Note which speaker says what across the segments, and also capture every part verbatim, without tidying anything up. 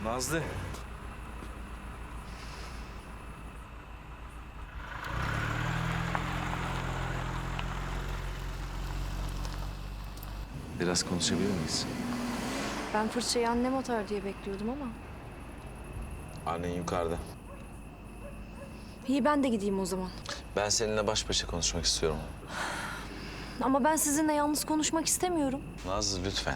Speaker 1: Nazlı. Biraz konuşabilir miyiz?
Speaker 2: Ben fırçayı annem atar diye bekliyordum ama.
Speaker 1: Annen yukarıda.
Speaker 2: İyi, ben de gideyim o zaman.
Speaker 1: Ben seninle baş başa konuşmak istiyorum.
Speaker 2: Ama ben sizinle yalnız konuşmak istemiyorum.
Speaker 1: Nazlı lütfen.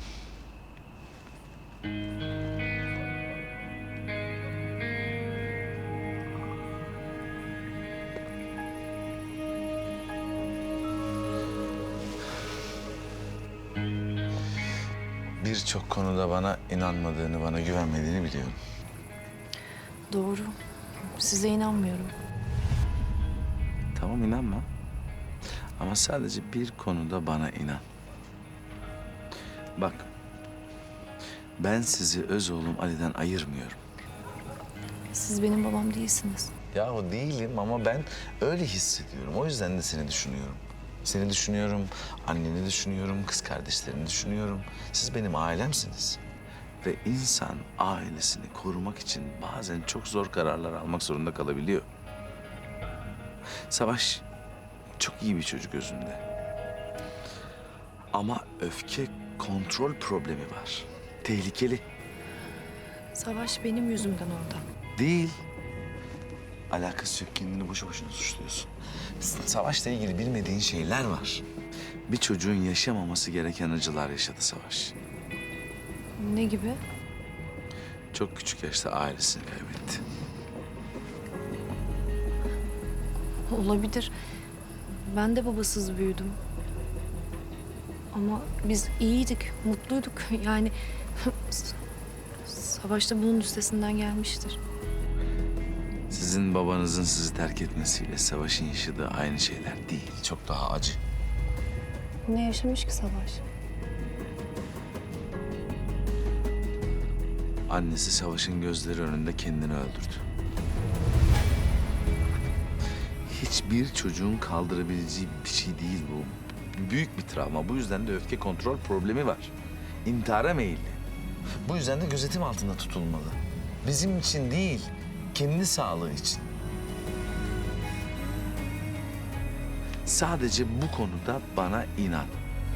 Speaker 1: Birçok konuda bana inanmadığını, bana güvenmediğini biliyorum.
Speaker 2: Doğru. Size inanmıyorum.
Speaker 1: Tamam, inanma. Ama sadece bir konuda bana inan. Bak, ben sizi öz oğlum Ali'den ayırmıyorum.
Speaker 2: Siz benim babam değilsiniz.
Speaker 1: Yahu değilim ama ben öyle hissediyorum. O yüzden de seni düşünüyorum. Seni düşünüyorum, anneni düşünüyorum, kız kardeşlerini düşünüyorum. Siz benim ailemsiniz. Ve insan ailesini korumak için bazen çok zor kararlar almak zorunda kalabiliyor. Savaş çok iyi bir çocuk özünde. Ama öfke kontrol problemi var. Tehlikeli.
Speaker 2: Savaş benim yüzümden orada.
Speaker 1: Değil. Alakası yok. Kendini boşu boşuna suçluyorsun. Savaşla ilgili bilmediğin şeyler var. Bir çocuğun yaşamaması gereken acılar yaşadı Savaş.
Speaker 2: Ne gibi?
Speaker 1: Çok küçük yaşta ailesini kaybetti.
Speaker 2: Olabilir. Ben de babasız büyüdüm. Ama biz iyiydik, mutluyduk. Yani Savaş da bunun üstesinden gelmiştir.
Speaker 1: Sizin babanızın sizi terk etmesiyle Savaş'ın yaşadığı aynı şeyler değil. Çok daha acı.
Speaker 2: Ne yaşamış ki Savaş?
Speaker 1: Annesi Savaş'ın gözleri önünde kendini öldürdü. Hiçbir çocuğun kaldırabileceği bir şey değil bu. Büyük bir travma. Bu yüzden de öfke kontrol problemi var. İntihara meyilli. Bu yüzden de gözetim altında tutulmalı. Bizim için değil, kendi sağlığı için. Sadece bu konuda bana inan.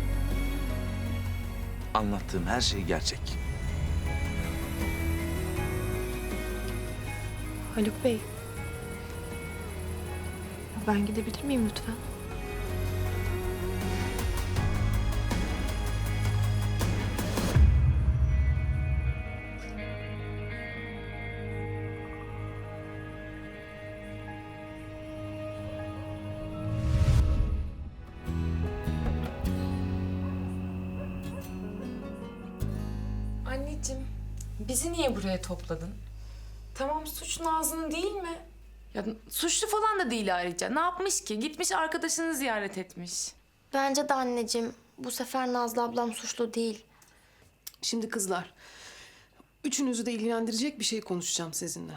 Speaker 1: Anlattığım her şey gerçek.
Speaker 2: Haluk Bey. Ben gidebilir miyim lütfen?
Speaker 3: Anneciğim, bizi niye buraya topladın? Tamam, suç Nazlı'nın değil mi? Ya suçlu falan da değil ayrıca. Ne yapmış ki? Gitmiş arkadaşını ziyaret etmiş.
Speaker 4: Bence de anneciğim. Bu sefer Nazlı ablam suçlu değil.
Speaker 5: Şimdi kızlar, üçünüzü de ilgilendirecek bir şey konuşacağım sizinle.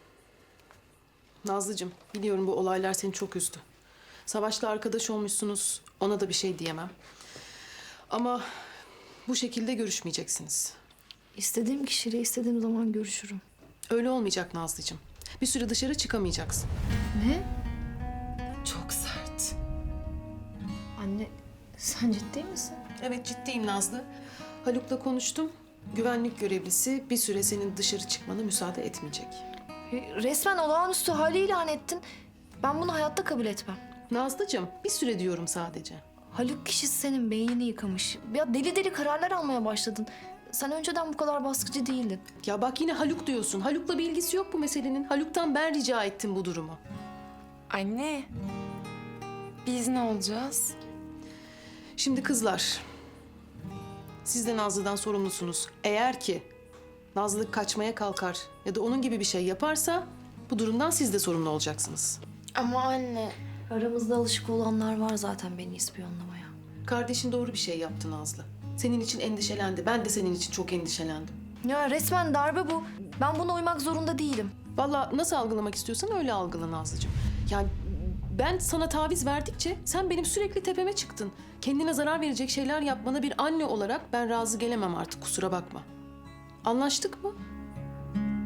Speaker 5: Nazlıcığım, biliyorum bu olaylar seni çok üzdü. Savaş'la arkadaş olmuşsunuz, ona da bir şey diyemem. Ama bu şekilde görüşmeyeceksiniz.
Speaker 2: İstediğim kişiyle istediğim zaman görüşürüm.
Speaker 5: Öyle olmayacak Nazlıcığım. Bir süre dışarı çıkamayacaksın.
Speaker 2: Ne?
Speaker 3: Çok sert.
Speaker 2: Anne, sen ciddi misin?
Speaker 5: Evet, ciddiyim Nazlı. Haluk'la konuştum. Güvenlik görevlisi bir süre senin dışarı çıkmana müsaade etmeyecek.
Speaker 2: Resmen olağanüstü hali ilan ettin. Ben bunu hayatta kabul etmem.
Speaker 5: Nazlıcığım, bir süre diyorum sadece.
Speaker 2: Haluk kişisi senin beynini yıkamış. Ya deli deli kararlar almaya başladın. Sen önceden bu kadar baskıcı değildin.
Speaker 5: Ya bak yine Haluk diyorsun. Haluk'la bir ilgisi yok bu meselenin. Haluk'tan ben rica ettim bu durumu.
Speaker 3: Anne, biz ne olacağız?
Speaker 5: Şimdi kızlar, siz de Nazlı'dan sorumlusunuz. Eğer ki Nazlı kaçmaya kalkar ya da onun gibi bir şey yaparsa bu durumdan siz de sorumlu olacaksınız.
Speaker 4: Ama anne,
Speaker 2: Aramızda alışık olanlar var zaten beni ispiyonlamaya.
Speaker 5: Kardeşin doğru bir şey yaptı Nazlı. Senin için endişelendi. Ben de senin için çok endişelendim.
Speaker 2: Ya resmen darbe bu. Ben buna uymak zorunda değilim.
Speaker 5: Vallahi nasıl algılamak istiyorsan öyle algıla Nazlıcığım. Yani ben sana taviz verdikçe sen benim sürekli tepeme çıktın. Kendine zarar verecek şeyler yapmana bir anne olarak ben razı gelemem artık, kusura bakma. Anlaştık mı?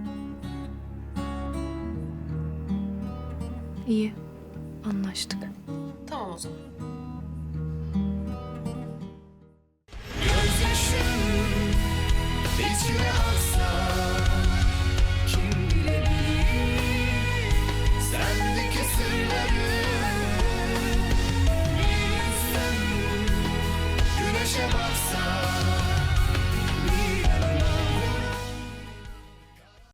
Speaker 2: İyi. Anlaştık.
Speaker 5: Tamam o zaman.